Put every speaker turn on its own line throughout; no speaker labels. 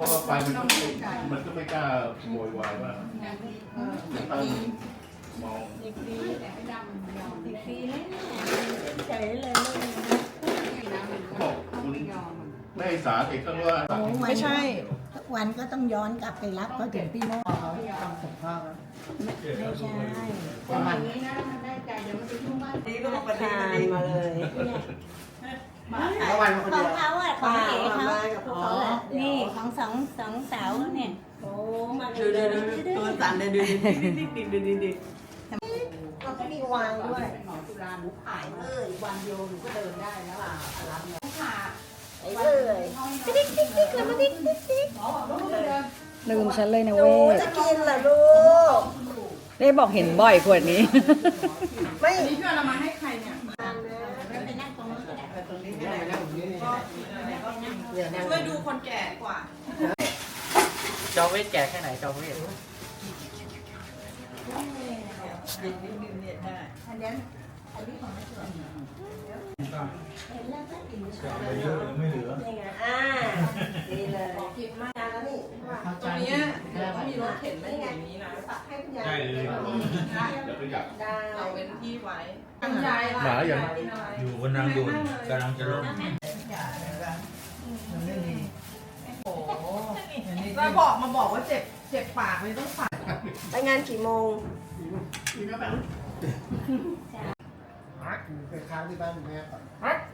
ว่าไฟมันก็ไม่กล้าโวยวายว่าตั้งมองบอกคุณแม่สาเอกก็ว่า
ไม่ใช่ทุกวันก็ต้องย้อนกลับไปรับเขาถึงพี่โน่เขาต้องส่งพ่อไม่ใช่ประมาณนี้นะมันได้ใจเดี๋ยวมันจะยุ่งมากนี่ก็มาประทานมาเลยของเขาอ่ะของเอ๋เขานี่ของสองสาวเนี่ยโอ้มาดูตัวสั่นเลยดูเราก็มีวางด้วยหมอจุฬาหนูขายวันเดียวหนูก็เดินได้แล้วอ่ะรับเนี่ยค่ะไอ้เลยติ๊กแล้วมาติ๊ก
ลืมฉันเลยนะเว้ย
จะกินเหรอลูก
ได้บอกเห็นบ่อยขวดนี้
ไม่
นี่พี่เอามาให้ใครเนี่ย
ไปนั่งตรงนู้นก็ได้ตรงนี้ก็ได้
ช่วยดูคนแก่กว่า
จอเวทแก่แค่ไหนจอเวท
อันนี้ของไม่สวยเห็นแล้วก็กินไม่เหลือนี่ไงดีเลยกินมากแล้วนี่
ตรงนี้ต้องมีรถเข็นไม่อย่างนี้นะ
ให้คุณยาย
ได้เลยเดี๋ยวก็อยาก
เราเว้นที่ไว้
หมาอย่าง
อยู่บนทางด่วนกำลังจะลง
โอ้แล้วมาบอกว่าเจ็บปากเลยต้องฝาก
ไปงานกี่โมง
ไปค้างที่บ้านแม่ก่อน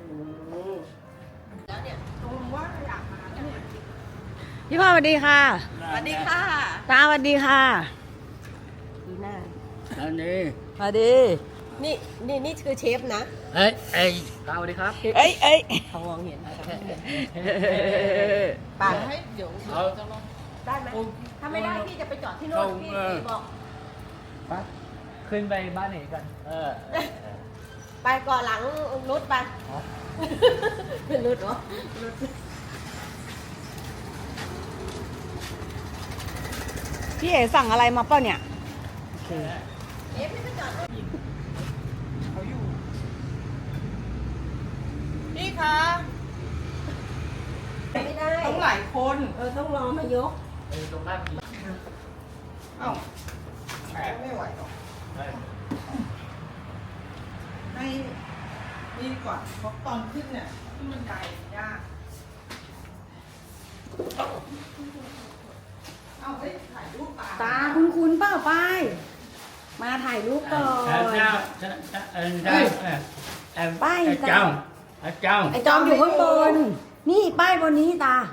แล้วเนี่ยตรงว่าอยากมาเนี่ย
พี่พ่อสวัสดีค่ะ
สวัสดีค่ะ
ตาสวัสดีค่ะ
ดีหน้า
อันนี้
สวัสดี
นี่คือเชฟนะ
เอ้ยสวัสดีครับ
เอ้ย
เขามองเห็น
ป่าให้เดี๋ยวจะลง
ได้ไหมถ้าไม่ได้พี่จะไปจอดที่โน่นพี่บอก
ขึ้นไปบ้านไหนกัน
ไปก่อนหลังนุชไปเป็นนุชเหรอนุช
พี่เอ๋สั่งอะไรมาเปล่าเนี่ย
เอ๊ะพี่ไปจอด
เขาอยู่พี่คะ
ไม่ได้
ต้องหลายคน
ต้องรอมายก
ตรงหน้าพี่
เอ้าไม่ไหวหรอกให้นี่ก่อนเพราะตอนขึ้นเนี่ยขึ้นบันไดยากเอาไปถ่ายรูปป่า
ตาคุ้นเปล่าไปมาถ่ายรูปก่อน ป้าย
เจ้า
ไอจอมอยู่ข้างบน นี่ป้ายบนนี้ตา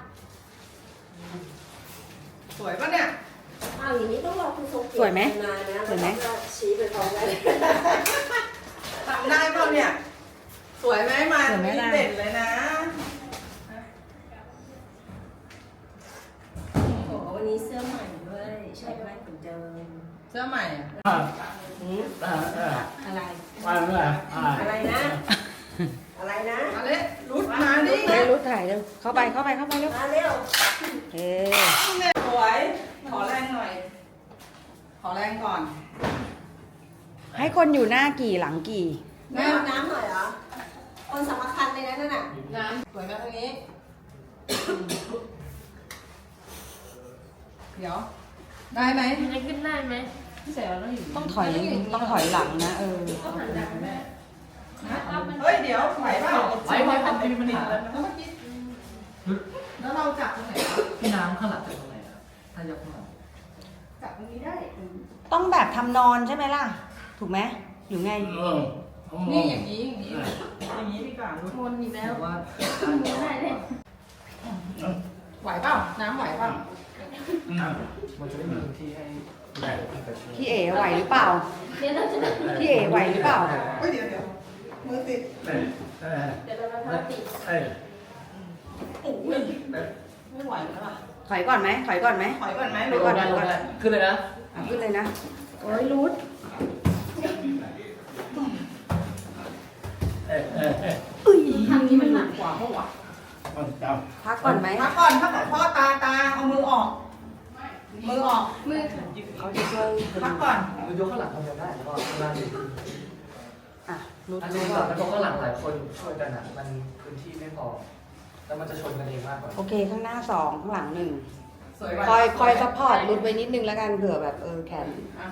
สวยปะเนี่ย
เอาอย่างนี้ต้องรอคุณทรงเกียรติ
สวยไหม
มานะ
สวยไหม
แล้วก็ชี้ไปพร้อมกัน
ทำได้เปล่าเนี่ย สวยไหมมาเด่นเลยนะ
โอ้โหวันนี้เสื้อใหม่ด้วยใช่ไหมเหมือนเดิม
เสื้อใหม่อะ
อะไร
อะไร
อะไรนะ อะไรนะ
มาเลยรุดมาดิ
เฮ้ยรุดถ่ายเร็วเข้าไปเร็ว
มาเร็ว
เฮ้ย
สวย ขอแรงหน่อย ขอแรงก่อน
ให้คนอยู่หน้ากี่หลังกี่
น้ำน้ำหน่อยเหรอคนสำคัญเลยนะนั่นน่ะ
น้ำสวยมาทางนี้ เดี๋ยว ได้ไหมจะขึ้นได้ไหมพี่เสรีต้องอยู่
ต้องถอยหลังนะ
เฮ้ย เดี๋ยวไหวเปล่าไหวทำเป็นมันอีกแล้วเมื่อกี้แล้วเราจับตรงไหนวะ
พี่น้ำข้างหลังจากตรงไหนครับถ้ายกข้างหลัง
จับตรงนี้ได้
ต้องแบบทำนอนใช่ไหมล่ะ ถูกไหมหรือไง
นี่อย่างนี้อย่างนี้อย่างนี้ดีกว่าทุกคนมีแล้ว
ว่า
ไหวเปล่า น้ำไหวเปล่า
มันจะได้มีพื้นที่ให้
พี่เอ๋ไหวหรือเปล่า พี่เอ๋ไหวหรือเปล่า
เฮ้ยเดี๋ยวมือติด
เดี๋ยวเราติด
โอ้ยไม่ไหวแล้วอ่ะ
ถอยก่อนไหม
ถอยก่อนไหม
ถอยก่อน
ขึ้นเลยนะ
ขึ้นเลยนะ โอ้ยรูด
ทางนี้มันหนักกว่าเพราะว่า
พักก่อนไหม
พักก่อนพ่อตาเอามือออก มือออก
เขาจะช่วย
พักก่อน
ยกข้างหลังทำได้แล้วก็ข้างหน้าดี
อ่ะรูด
อันนี้ก่อนแล้วก็ข้างหลังหลายคนช่วยกันอ่ะมันพื้นที่ไม่พอแล้วมันจะชนกันเองมากกว่า
โอเค ข้างหน้า2ข้างหลัง1
สวย
คอยซัพพอร์ตรุดไว้นิดนึงแล้วกันเผื่อแบบแขน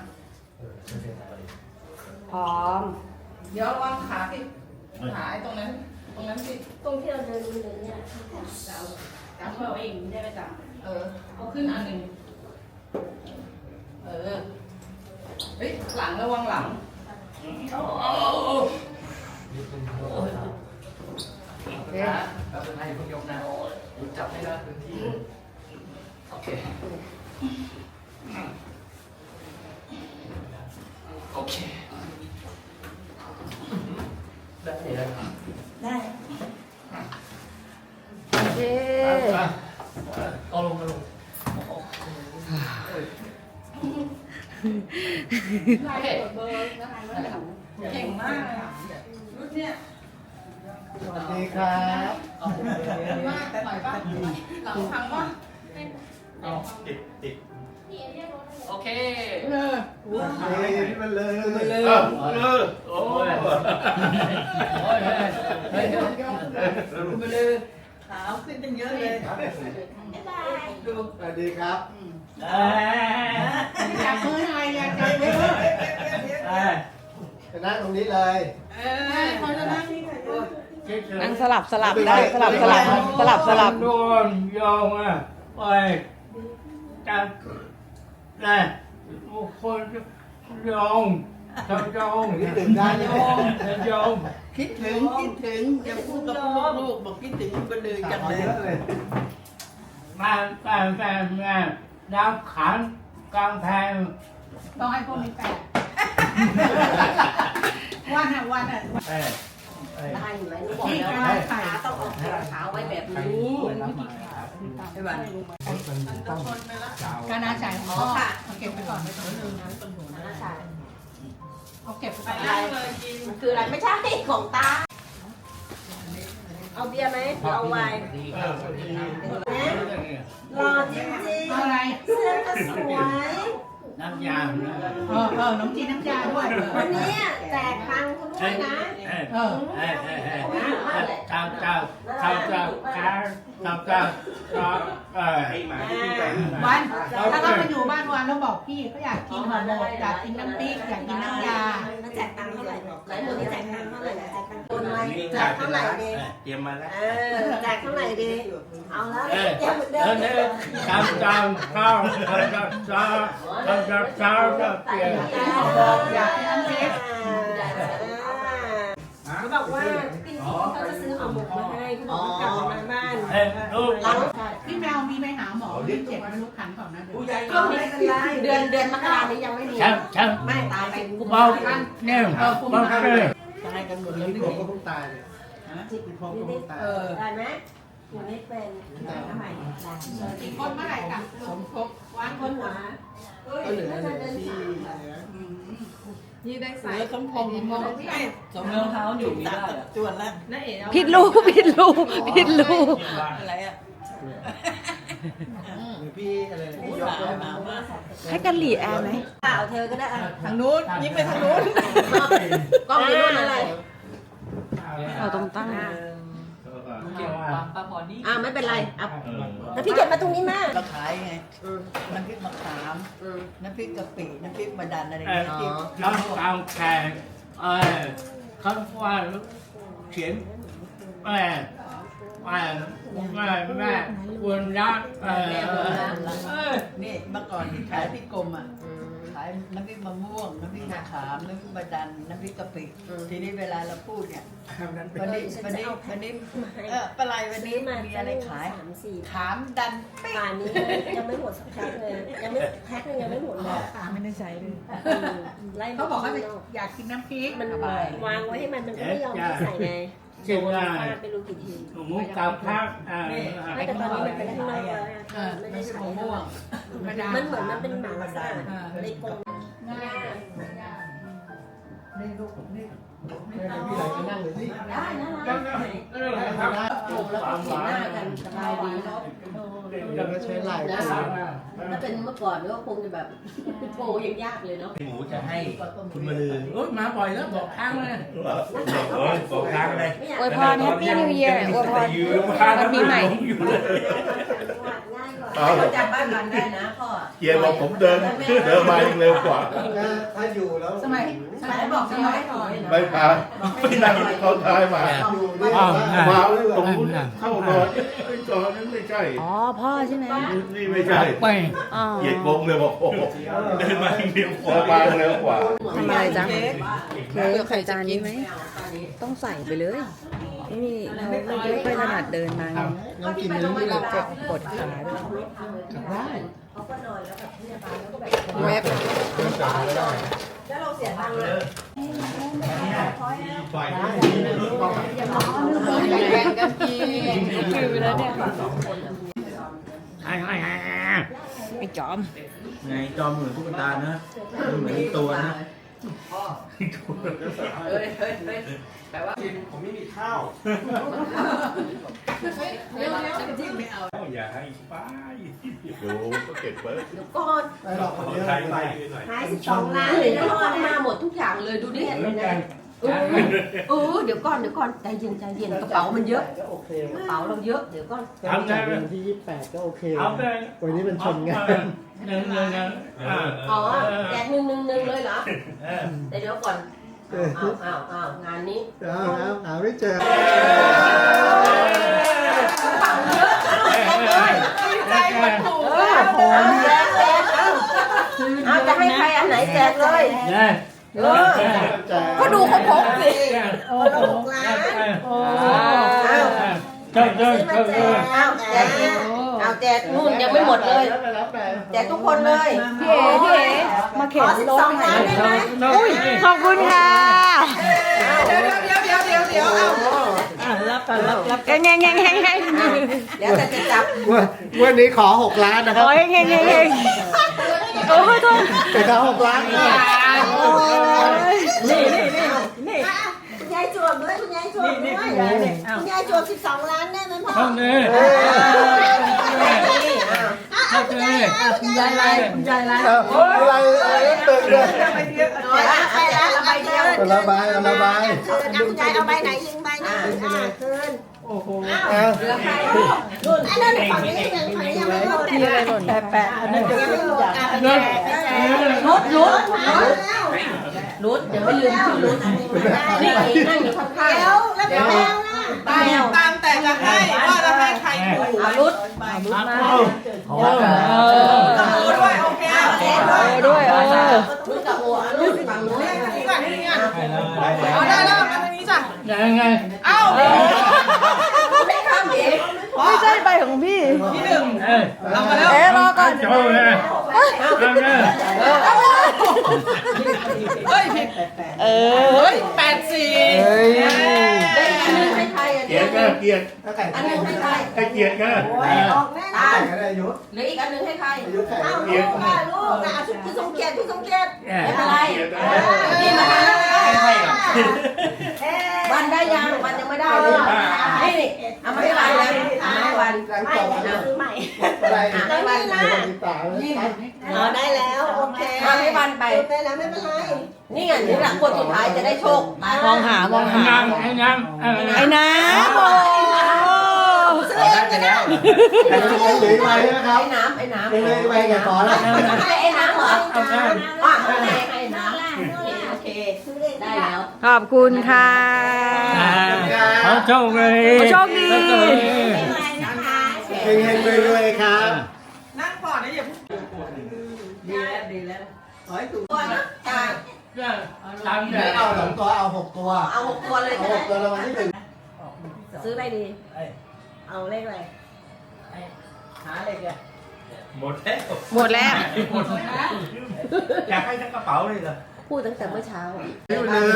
พร้อม
เดี๋ยววางขาสิขาไอ้ตรงนั้นสิ
ตรงที่เราเดินเนี่ย
จับเอาเองได้ไหมจ๊ะเอาขึ้นอันหนึ่งเฮ้ยหลังระวังหลัง
แล้วเป็นไงพวกยกนะจับให้ได้พื้นที่โอเคโอเคได้เลย
ได้
โอเค
เอาลงมาลงโอเค
เก่งมากเลยรุ่นเนี่ย
สวัสดีครับ
เอาลงมา
ดีมากแต่หน่อยป่ะหลังพังป่ะ
เอาติดโอเค
มันเลย
โอ้ยโอ้ยเฮ้ย
มาเลยขาวขึ้นตั้งเยอะเลย
สวัสดีครับ
จับมือหน่อยอยากจับมือ
จะนั่งตรงนี้เลย
เขาจะนั่งนี่ค่ะ
นั่งสลับได้สลับ
โดนยองอ่ะไปจับนะคนยองทำยอง
นี่ตื่นได้ไหม
ยอง
คิดถึงอย่าพูดกับลูกบอกคิดถึงไปเลยจังเลย
เยอะเลย
มาน้ำขันกลางแพง
ต้องให้พวกนี้แปะวันอ่ะ
ได้อยู่ไหมรู้บอกแล้วขาต้องออกขาไว้แบบนี้ใช่ป่ะ
การอาศัย
อ๋อค่ะ
เก็บไปก่อนไม่ต้องลืมนะ
ใช่
เอาเก็บไป
มันคืออะไรไม่ใช่ของตา เอาเบียร์ไหมเอาไวน์หล่อจริง
อะไร
ๆเสื้อก็สวย
น้ำยางนะ
น้ำจีนน้ำยาด้วย
วันนี้แจกตังค์คุณด้วยนะ
เจ้า
วันถ้าเราไปอยู่บ้านวันเราบอกพี่เขาอยากกินห่อหมกอยากกินน้ำพริกอยากกินน้ำยา
แล้วแจกตังค์เท่าไหร่หลายคนที่แจกตังค์เท่าไหร่แจกตังค์คนไว้แจกเท่าไหร่ดี
เตรียมมาแล้ว
แจกเท่าไหร่ดีเอาแล้วแจกเหมือนเดิม
ข้าวเปลี่ยน
อยากกินน้ำพริก
เขาบอกว่าพี่เขาจะซื้อห่อหมกมาให้พี่บอกว่ากลับมาบ้าน
ลูก
พี่แมวมีไปหาหมอที่เจ็บไม่รู้ขันก่อนนะเดี๋ยว
ก็ไม่เป็นไรเดือนมกรานี้ยังไม่มี
ช่าง
ไม่ตายไป
เบาเนี่ยเบาเลย
ตายกันหมดเลย
พี่ผมก็เพิ่งตายเลยพี่ผมก็เพิ่งตาย
ได้ไหมอยู่ไม่เป็นทำไม
อีกคนเมื่อไหร่กลับสมทบ
วางคนหัว
ก็เหลือที่
นี่ได้ใส่สมพงษ์สมรองเท้าอยู่ไม่ได้จวนแล้วนั่นเอง
ผิดรูป
อะไรอ่ะ
พี่อะไรพี่ยก
ให้กันหลีแอร์ไหม
เปล่าเธอก็ได้
ทางนู้นยิ้มไปทางนู้น
กล้องอยู่นู่นอะไร
เราต้องตั้ง
ปลาพอนี่
ไม่เป็นไรอ่ะแล้วพี่เก็บมาตรงนี้มา
เราขายไงน้ำพริกมะขามน้ำพริกกะปิน้ำพริกมะดันอะไรอย่างเงี้ย
น้ำตาลแข็งเขาว่าเขียนแม่ควรรัก
นี่เมื่อก่อนที่ขายที่กรมอ่ะขายน้ำพริกมะม่วงน้ำพริกมะขามน้ำพริกมะดันน้ำพริกกะปิทีนี้เวลาเราพูดเนี่ยวันนี้ปลายวันนี้มีอะไรขาย
3-4
ขามดัน
ป่านนี้ยังไม่หมดสักแพ็คเลยยังไม่แพ็คนึงยังไม่หมดเลย
ไม่ได้ใช้เลย
ไล่
เขาบอกเขาอยากกินน้ำพริก
มันวางไว้ให้มันก็ไม่ยอมใส่ไง
เช่นว่า
ไปรู้กี่ที
หมูกับพัก
ไม่แต่ตอนนี้มันเป็นข้างนอกแล้วไม่ได้ใช้มันเหมือนมันเป็นหมาล่าในกรง
ง่าย
นี่ลูกผมนี่พี่ไหลจะนั่งเลยสิ
ได้นะโอ้แล้วก็เห็นหน้ากันสบายดีเนาะ
เราก็ใช้ลาย
ถ้าเป็นเมื่อก่อนก็คงจะแบบโผล่ยังยากเลยเนาะ
หมูจะให้คุณมาลือ
โอ้ยมาบ่อยแล้วบอกทางเลย
บอกทางเลย
อวยพร Happy New Year อวยพรวันปีใหม่
ง่ายกว่า
เอา
เขาจำบ้านมันได้นะพ่อ
เกียร์บอกผมเดินมายังเร็วกว่า
ถ้าอยู่แล้ว
สมัยบอกสมัยก่อน
ไม่พาไม่นั่งเขาท้ายมา
อยู่ได้
มาตรงนู้นเข้านอนจอนั้นไม่ใช่
อ๋อพ่อใช่ไหม
นี่ไม่ใช่
ไป
อ๋อ
เหยียดงงเลยบอกโอ้โหเดินมาเร็วกว่ามาเร็วกว่า
ทำอะไรจ๊ะเค้กใส่จานนี้ไหมต้องใส่ไปเลยนี่เราไม่ค่อยถนัดเดินมาไง
ยังกินนี้ไม่หลับ
เจ็บปวดขาด้วย
ได้
แวบ
แล้วเราเสียตังค์เลย
แบ่งกันกินคือไปแล้วเนี่ยไอ้จอม
ไงจอมเหมือนตุ๊กตานะเหมือนตัวนะ
ผมไม่มีข้าว
อย่าให้ไปดูก็เก็บไว้
ก่อน
ไปหรอกเดี๋ยว
ใช้ไป
หาย12 ล้านเลยนะพ่อมาหมดทุกอย่างเลยดูดิเดี๋ยวก่อนใจเย็นกระเป๋ามันเยอะ
ก็โอเค
กระเป๋าเราเยอะเดี๋ยวก่อน
ทำงานวันที่28ก็โอเค
เอาไป
วันนี้มันชนงาน
หนึ่ง
อ๋อแจก1 เลยเหรอแต่เดี๋ยวก่อนเอางานนี้
หาไม่เจอ
ใจมันถูกเอาจะให้ใครอันไหนแจกเลย ก็ดูเขาพกสิ6 ล้าน
เจ้า
เอาแจกนู่นยังไม่หมดเลยแจกทุกคนเลย
พี่เอ๋มาเข็นรถ
12 ล้านได้ไหม
ขอบคุณค่ะ
เดี๋ยว
รับแง่ง
เดี๋ยวจะจับ
วันนี้ขอ6 ล้านนะครับ
โอ้ยเฮงโอ้ยโทษ
แต่ขอ6 ล้าน
นี่คุณยายจวบด้วยคุณยายจวบด้วยคุณยายจวบ12 ล้านได้ไหมพ่อ
ห้องนี้
คุณยายอะไรคุณยายอะไร
อะไรตึกเลย
น้อยละใบเดียว
ระบาย
คุณยายเอาใบไหนยิงใบไหนคืน
โอ้โห
เหลือใครนู่นอันนั้นฝั่งนี้ฝั่งนี้ยังไม่หมด
ที่อะไรหล่น
แปะอันนั้นยังไม่หมดรุดเดี๋ยวไม่ลืมชื่อรุดนี่นั่งอยู่ข้างๆแล้วแมวนะ
ตามแต่จะให้ว่าจะให้ใครอยู่
รุด
กับโมด้วยโอเค
ด้วย
รุดกับหัวรุดฝั่งนู้น
นี่ก่อนนี่ก่อนเอาได้แล้วมาทางนี้จ้ะ
ยังไง
เอ้า
ไม่ข้ามเอง
ไม่ใช่ใบของพี่
ที่หนึ่ง
เอามา
เอ๊ะรอก่อน
โจ้เลยเอาเลย
เฮ้ย
เออ
84
ได้อันนึงให้ใครอัน
เกีย
นี้
ร์ก็เกียร์
อันนึงให้ใคร
ให้เกียร์ก็
ออกแน่ตาย
ก็ได้ยุทธ
เหลืออีกอันนึงให้ใคร
ยุทธแข่ง
เอาลูกค่ะลูกนะคุณสมเกียรติคุณสมเกียรติไม่เป็นไร
เกียร์ก็
นี่มาวันได้ยังวันยังไม่ได้เลยนี่เอามาให้วันแล้วเอามาให้วัน
ไม่ซื้อใหม่อะไรนี่
ได้แล้วโอเคเอาให้วันไปได้แล้วไม่เป็นไรนี่ไงนี่แหละคนสุดท้ายจะได้โชค
มองหา
ไอ้น้ำ
ไอ้น้ำโอ้
ซื้อเองก็ได้
เหลือใบนะครับ
ไอ้น้ำไอ้น้ำ
เหลือใบแกขอแล้ว
ให้ไอ้น้ำเหรออ่ะให้น้ำโอเคได้แล้ว
ขอบคุณค่ะ
เขาโชคดี
โชคดี
เฮงๆรวยๆครับ
นั่งก่อนนะอย่า
ดีแล้วขอให้ถูกตัวนะจ่าย
ตาม
ไม่เอา2 ตัวเอา6 ตัว
เอา6 ตัวเลย
เอา6 ตัวรางวัลที่
ซื้ออะไรดีเอาเลขอะไรหาเลขเลย
หมดแล้ว
หมดแล้ว
อยากให้ทั้งกระเป๋าเลยเหรอ
พูดตั้งแต่เมื่อเช้า
1นิ้วมือ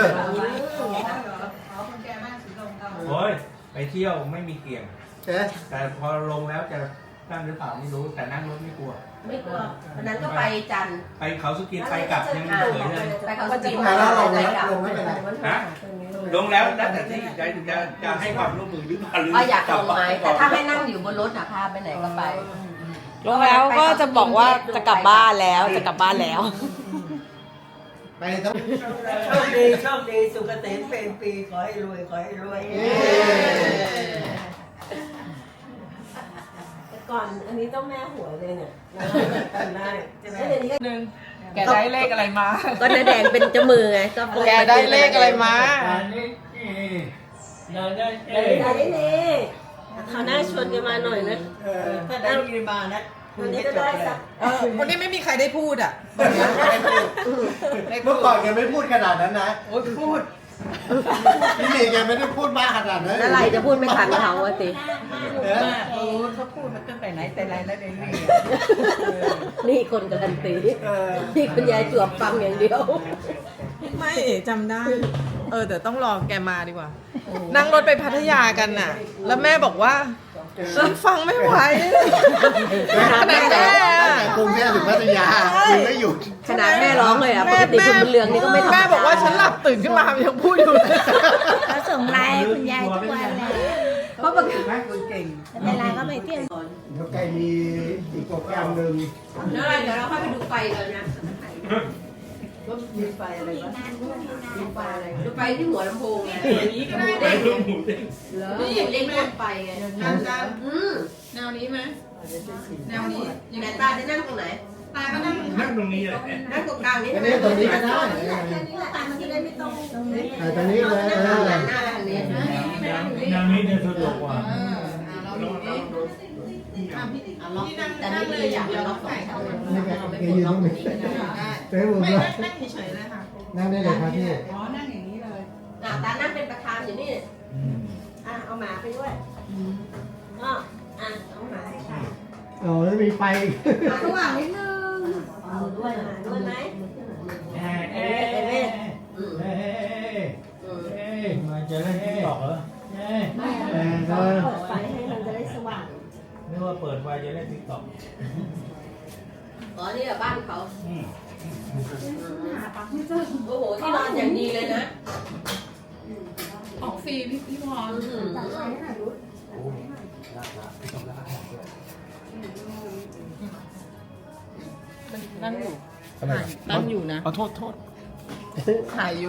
โอ้ยไปเที่ยวไม่มีเกี่ยง
เอ๊ะ
แต่พอลงแล้วจะนั่งหรือเปล่าไม่รู้ แต่นั่งรถไม่กลัว
ไม่กลัววันนั้นก็ไปจันทร์
ไปเขาสุกินไปกลับยังไม่เคยเลย
ไปเขาสกี
แล้วลงไม่เป็นไร
ฮะลงแล้วแล้วแต่ที่จะให้ความร่วมมือหรือเปล่าหรือ
อยากลงไหมแต่ถ้าให้นั่งอยู่บนรถนะพาไปไหนก็ไป
ลงแล้วก็จะบอกว่าจะกลับบ้านแล้ว
ไปต้อง
โชคดีสุขเกษมเป็นปีขอให้รวยขอให้รวย
เ
ก่อนอันนี้ต้องแม่หวยเลยเนี่ยได้ใช่ไหม
หนึ่งแกได้เลขอะไรมา
ก็น้าแดงเป็นเจ้ามือไงก็
แกได้เลขอะไรมา
อันนี้เราได้
ได้เลยเขาหน้าชวนกันมาหน่อยนะ
ถ้าได้ยินมานะ
วันนี้ก็ได้สัก
วันนี้ไม่มีใครได้พูดอ่ะ
เมื่อก่อนแกไม่พูดขนาดนั้นนะ
โอ้ยพูด
พี่เมย์แกไม่ได้พูดมากขนาดนั้น
อะไรจะพูดไม่ทันเขาอะสิ
มากโอ้เขาพูดมาตั้งแต่ไหนแต่ไรแล้วเดี๋ยวนี้
นี่คนการันตีนี่คุณยายจวบฟังอย่างเดียว
ไม่เอ๋จำได้ แต่ต้องรอแกมาดีกว่า นั่งรถไปพัทยากันน่ะ แล้วแม่บอกว่าฉันฟังไม่ไหวขนาดแม่อะ
กรุงเทพถึงพัทยาคือไม่หยุด
ขนาดแม่ร้องเลยอะปกติคุณบุญเรืองนี่ก็ไม่ธรรมดา
แม่บอกว่าฉันหลับตื่นขึ้นมายังพูดอยู่เลย
เขาส่งไลน์คุณยายทุกวันเลย
เพราะปกติ
แม่คนเก่ง
เวลาก็ไปเที่ยว
เดี๋ยวแกมีอีกโปรแกรมหนึ่ง
เดี๋ยวเราค่อยไปดูไฟเลยนะ
ก็มีไฟอะไรวะมีไฟอะไร
ดูไฟที่หัวลำโพงไง
อย่างนี้ก็ได้
เด้ง
เหรอ
นี่เด้งพ่นไฟไง
แนวนี้ไหมแนวนี้
ไหนตาจะนั่งตรงไหน
ตาก็นั่ง
นั่งตรงนี้แหละ
นั่งตรงกลางนี่
อันนี้ตรงนี้ก็ได้
มันจะได้ไม่ต้องตรงนี้
ตรงนี้เลย
หน้าไปทางนี้
อย่างนี้จะสะดวกกว่า
เราดูนี่พี่นั่งเลยอย่างเดียวเราใส่เข้า
นี่แกยืนตรงนี้เต้ผม
ไม่
เลย
นั่งเฉยๆเลยค่ะ
นั่งได้เลยครับพี่
อ๋อ นั่งอย่างนี้เลย
ตานั่งเป็นประธานอยู่นี่เอาหมาไปด้วยก็เอาหมาให้ค่ะ
อ๋อแล้วมีไฟ
สว่างนิดนึงเอาด้วยไหม
มาจะเล่นติ๊กต็อกเหรอ
เปิดไฟให้มันจะได้สว่าง
นึกว่าเปิดไฟจะเล่นติ๊กต็อก
อ๋อนี่แหละบ้านเขาโอ้โหที่นอนอย่างดีเลยนะ
ออกฟรีพี่พรนั่งอยู่นั่งอยู่นะโทษถ่ายอยู่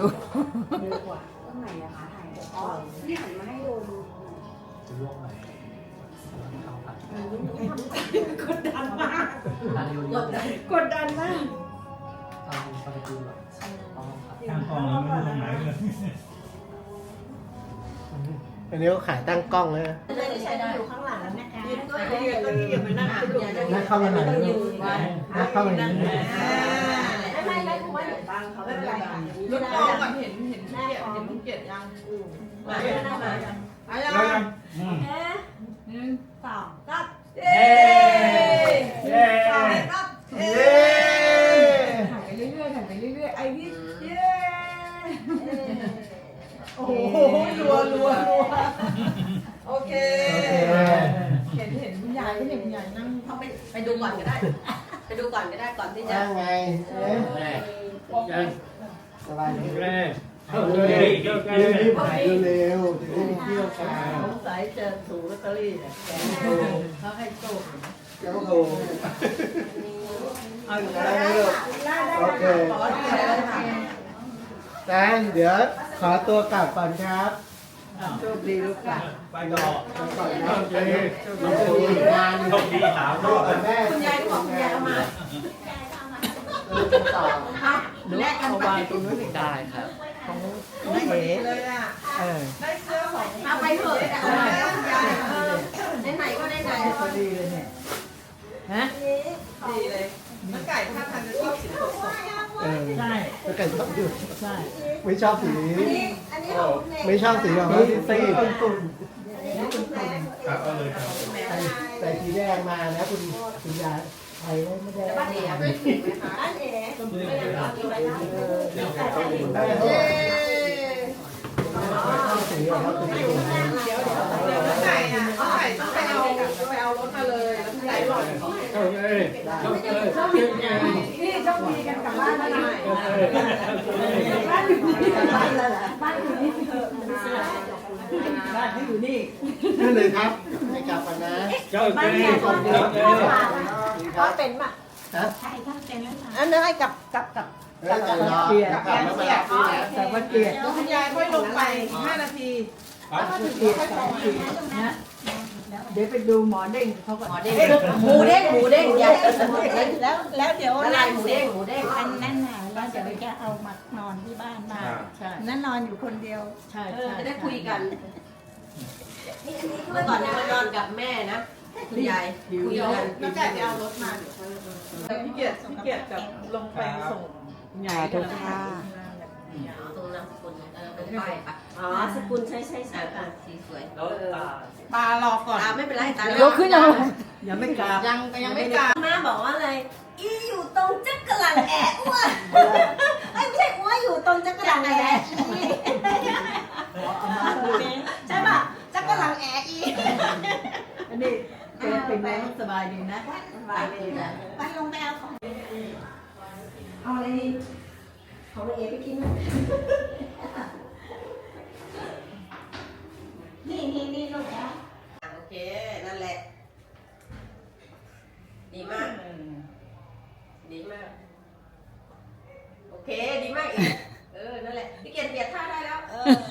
กดดันมากกดดันมาก
ตั้งกล้องแล้วไม่รู้ตรงไหนเลย
อันนี้ก็ขายตั้งกล้องเลยนะ
ไม่ใช่อยู่ข้างหลังนะคะ
ก็ยืนมานั่งคุยกัน
นั่งเข้ามาหน่อยลูกนั่งเข้ามาหน่อย
ไม่คุณว่าเดี๋ยวบังเขาไม่เป็นไรค่ะ
ลูกกล้องก่อนเห็นพี่เกียรติเห็นลูกเกียรติยัง
มามา
เอายัง
หนึ่งสองก็
เย้เย้
ถ่ายไปเรื่อยๆถ่ายไปเรื่อยๆไอ้นี่เย้โอ้โหรัวโอเคเห็นคุณยายก็เห็นคุณยายนั่ง
เขาไปดูก่อนก็ได้ ไปดูก่อนก็ได้ก่อนที่จะ
นั่งไงสบายดี
เย้เข้า
เ
เลย
รีบขายเร็วๆจะได้เที่ยวกัน
สงสัยจะถูกลอตเตอรี่เนี่ยเขาให้โชค
เจ้าโทร
เอาอยู่
ได้
แล้ว
ไหมลูกโอเคแตนเดี๋ยวขอตัวกลับก่อนครับ
โชคดีลูกค่ะ
ไปต่อ
ก่อนครับเจ๊เราจะมีงาน
โชคดีถาม
พ่อกับแม่
คุณยายก็บอกคุณยายเอามา
ต่อ
แลกกัน
เอาวางตรงนู้นอีกได้ครับของไม่เอ๋
เลยอ่ะ ได้เสื้อของ
เอาไปเถอะเอาไปแล้วคุณยายไหนๆก็ไหน
พอดีเลยเนี่ยฮะ
ดีเลยน้ำไก่ท่าทางจะชอบสีสด
ใช่
แล้วกันชอบดู
ใช่
ไม่ชอบสี
อันนี้ของเด็ก
ไม่ชอบสีแบบว่าซีด
ครับเอาเลยครับ
ใส่สีแดงมานะคุณยายไทยไม่ได้
ๆบ้านเอ๋
อันเอ๋ไม่อยากกินไปแล้ว
สีออกมาเป็นสี
น้ำไก่อ่ะน้ำไก่ต้องไปเอารถมาเลยแล้วคุณยายหล่อน
เข้าเลยเข้าเลย
นี่โชคดีกันกลับบ้านแล้วนะบ้านอยู่นี่บ้านแล้วบ้านอยู่นี่
บ้านเขาอยู่นี่
นั่นเลยครับให้กลับกันนะ
เข้า
บ้าน
เล
เนี่ย
ย
คนเดียวพ่อเป็นป่ะ
ฮะ
ใช่ท่านเป็นแล้วค่ะ
อันนั้นให้กับ
แล้วแต่รอกลับแล้วมารับที่นะ
แต่วันเกียรติ
คุณยายค่อยลงไป5 นาที
เกียรติ2 ปีนะ
แ
เดี๋ยวไปดูหมอเด้งเขาก็
หมูเด้งใหญ่แล้วเดี๋ยวนั่นเสร็จอันนั้นน่ะแล้วเดี๋ยวจะเอามานอนที่บ้านมา
ใช่
นั่นนอนอยู่คนเดียว
ใช่
จะได้คุยกันเมื่อก่อนเนี่ยมานอนกับแม่นะคุณยายคุยกัน
แล้วแต่จะเอารถมาพี่เกียรติกับลงไปส่ง
สาธุค่ะ
ตรงนามสกุลเป็นป้ายปะอ๋อสกุลใช่สีสวย
แล้วตา
ตารอก่อน
ไม่เป็นไรตาย
ยกขึ้นเอา
ยังไม่กราบ
ยังไม่กล้า
แม่บอกว่าอะไรอีอยู่ตรงจักรหลังแอะอ้วนไม่ใช่อ้วนอยู่ตรงจักรหลังแอะใช่ป่ะจักรหลังแอะอี
อันนี้เป็นไงสบายดีนะ
ไปลงไปเอาของ
เอาอะไรของเอไปกินไหม
นี่ลูกนะ
โอเคนั่นแหละดีมากโอเคดีมากอีกนั่นแหละพี่เกียรติเปลี่ยนท่าได้แล้ว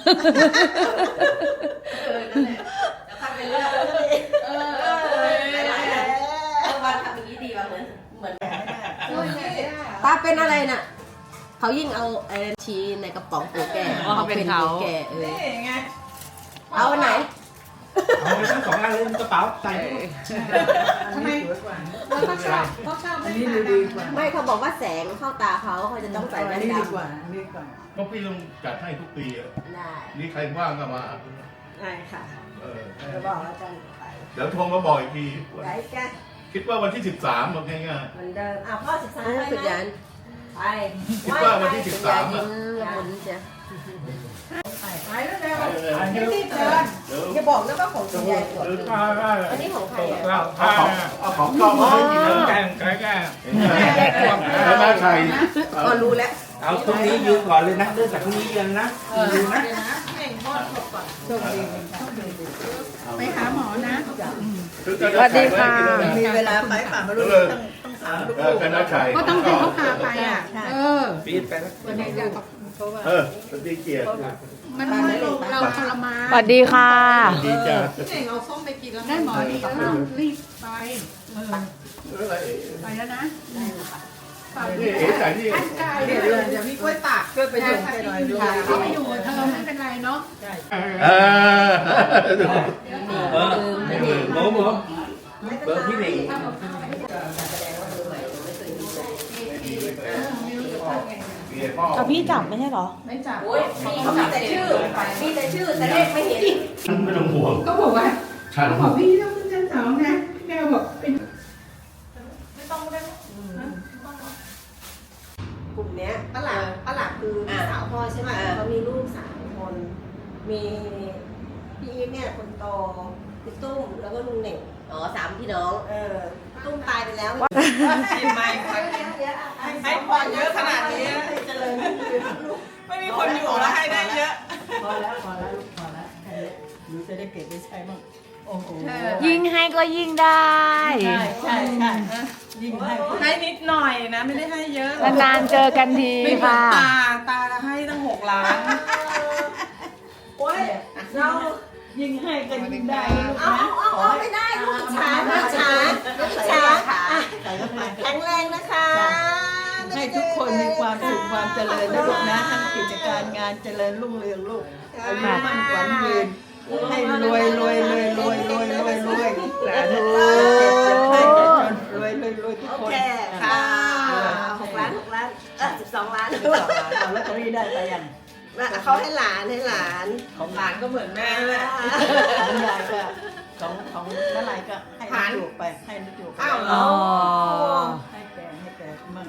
นั่นแหละแล้วทำไปเรื่อยหลายๆวันทำอย่างนี้ดีว่ะเหมือนตาเป็นอะไรน่ะเขายิ่งเอาชี้ในกระป๋องตัวแก่เขาเป็นตัวแก่
ไง
เอาอันไหน
เอาไปทั้ง2 อันเลยกระเป๋าใส่
ทำไม
เขาชอบ
อันนี้ดูดีกว่า
ไม่เขาบอกว่าแสงเข้าตาเขาจะต้องใส่แว่น
ดี
ดำ
กว่าดีกว่า
ก็พี่ต้องจัดให้ทุกปีอะ
ได้
นี่ใครว่างก็มา
ได้ค่ะ
จะบอกอาจารย์ไป
เดี๋ยวโทรมาบอกอีกที
ไหนแก
คิดว่าวันที่ 13บอกง่าย
เหมือนเดิมพ่อ13ไปสุดยันไป
ๆคิดว่าวันที่ 13
อ่ะ
อ่ะ
ละมุนจ้ะ
ไปแล้วเร็ว
อันนี้
รีบเดิน
อย่าบอกนะว่าของคุณยายสวย อันนี้ของใครอ่ะ
เอาของชอบมาให้กินนะ
แกงแกง
แล้วน่าชัย
ก็รู้แล้ว
เอาพรุ่งนี้ยืนก่อนเลยนะเริ่มจากพรุ่งนี้ยืนนะยืนนะ
ไปหาหมอนะ
สวัสดีค่ะ
มีเวลาไปป่ามารู้ต้องถามลูก
กันน่าชัย
ก็ต้องเป็นเขาพาไปอ่ะ
ปีนไปแล้ว
สวัสดีเกียรติ
มันเราทรมาน
สวัสดีค่ะ
ดีจ้า
พี่เน่งเอาส้มไปกินแล้ว
ได้หมอดีแล้วรีบไป
อะไร
ไปแล้วนะ
นี่เอ๋ใส่นี่
ท่านกาย
เดี๋ยวมีกล้วยตาก
ช่วยไปชมไปหน่อยดู
เขาไม่อยู่เธอไม่เป็นไรเนาะ
หมูเบอร์พี่หนิง
เอาพี่จับไม่ใช่เหรอ
ไม่จับ
โอ้ยเขามีแต่ชื่อแต่เลขไม่เห็น
ไม่ต้องห่วง
ก็บอกว่า
ฉัน
บอกพี่ต้องขึ้นชั้น2นะแม่บอกเป็น
กลุ่มเนี้ยป้าหลักคือพี่สาวพ่อใช่ไหมเขามีลูก3 คน มีพี่อีฟเนี่ยคนโตพี่ตุ้มแล้วก็ลุงเหน่ง3 พี่น้องตุ้มตายไปแล้ว
กินไหมให้พรเยอะขนาดนี้
เจริญ
ไม่มีคนอยู่แล้วให้ได้เยอะ
พอแล้วพอแล้วหนูจะได้เก็บได้ใช้บ้างโอ้โห
ยิ่งให้ก็ยิ่งได้
ใช่ยิ่งให้
ให้นิดหน่อยนะ ไม่ได้ให้เยอะ
นานๆเจอกันที
ไม่เหมือน
ค่ะ
ตาให้ตั้ง6 ล้าน
โอ้ยเรา
ยิ่งให้ก็ยิ่งได้
เอาไม่ได้ลูกช้าแข็งแรงนะคะ
ให้ทุกคนมีความสุขความเจริญนะลูกนะทั้งกิจการงานเจริญรุ่งเรืองลูกอายุมั่นขวัญยืนให้รวยสาธุให้จนรวยทุก
โอ
คน
เคค่ะ6 ล้าน12 ล้าน
เอาลอตเตอรี่ได้ไปยัง
เขาให้หลาน
ของหลานก็เหมือนแม่แหละ
ของยายก็ของน้าลายก็ให้ลูกจูบไปให้ลูกจูบไป
อ้าวเหร
อ๋อ
ให้แกมั่ง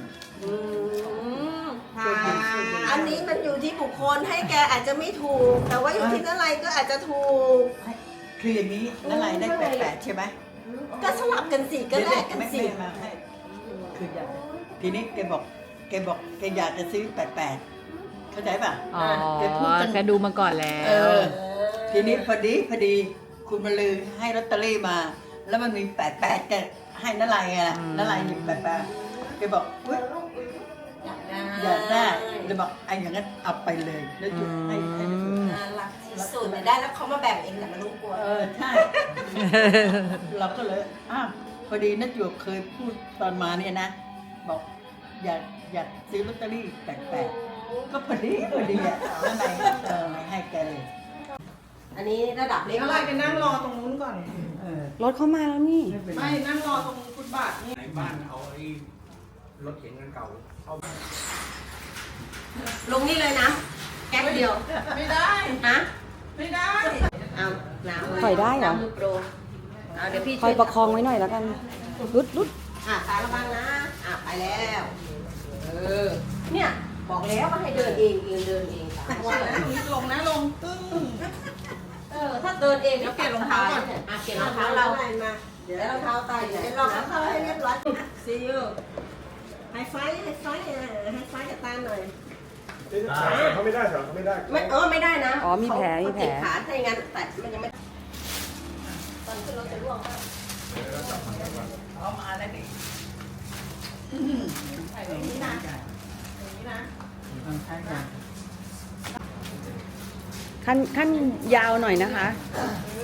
อันนี้มันอยู่ที่บุคคลให้แกอาจจะไม่ถูก แต่ว่าอยู่ที่นั่นไรก็อาจจะถูก
คืออย่างนี้น้าลายได้88ใช่ไหม
ก็สลับกันสิก็แลกกันสิ
ไม่มาให้คืออยากทีนี้แกบอกแกอยากจะซื้อ88เข้าใจป่ะ
อ๋อ
แกพูดตั้ง
แกดูมาก่อนแล้ว
ทีนี้พอดีคุณมาลือให้ลอตเตอรี่มา แล้วมันมี88แกให้น้าลายไงล่ะน้าลายหยิบ88แกบอกอุ๊ย
ได้
อยากได้เลยบอกไอ้อย่างนั้นเอาไปเลยแล้วหยุดให้ไปเลย
รักที่สุดเนี่ยได้แล้วเขามาแบ่งเองแต่ไม่รู้กลัว
ใช่ เราก็เลยอ้าวพอดีนักหยวกเคยพูดตอนมาเนี่ยนะ บอกอยากซื้อลอตเตอรี่แปลกๆก็พอดีอ่ะนั่นไงให้แกเลย
อันนี้ระดับเล็ก
อะไรไปนั่งรอตรงนู้นก่อน
รถเข้ามาแล้วนี่
ไม่นั่งรอตรงฟุตบาทนี่
ในบ้านเอาไอ้รถเข็นกันเก่าเอา
ลงนี่เลยนะแก๊กเดียว
ไม่ได้
ฮะ
ไม่ได้
เอาน้ำ
ปล่อยได้เหรอ
น้ำมือโปรเอาเดี๋ยวพี่
คอยประคองไว้หน่อยแล้วกัน รุด
ขาระวังนะไปแล้วเนี่ยบอกแล้วว่าให้เดินเองเดินเองค่ะว่านะ
ลงนะลงตึ้ง
ถ้าเดินเอง
เดี๋ยวเปลี่ยนรองเท้าก่อน
เปลี่ยนรองเท้าเรามาเดี๋ยวรองเท้าตายอยู่ไหนรองเท้าให้เรียบร้อยซีอูไฮไฟกับตาหน่อย
เขาไม่ได้เหรอเขาไม่ได้
ไม่ได้นะ
อ๋อมีแผล
เขาติดขาถ้าอย่างนั้นแต่มันยังไม่ตอนขึ้นรถจะร่วง
เอามาแล้วดิ
อย่างนี้นะอย่างนี้นะ
ใช่ค่ะ
ขั้นยาวหน่อยนะคะ
เ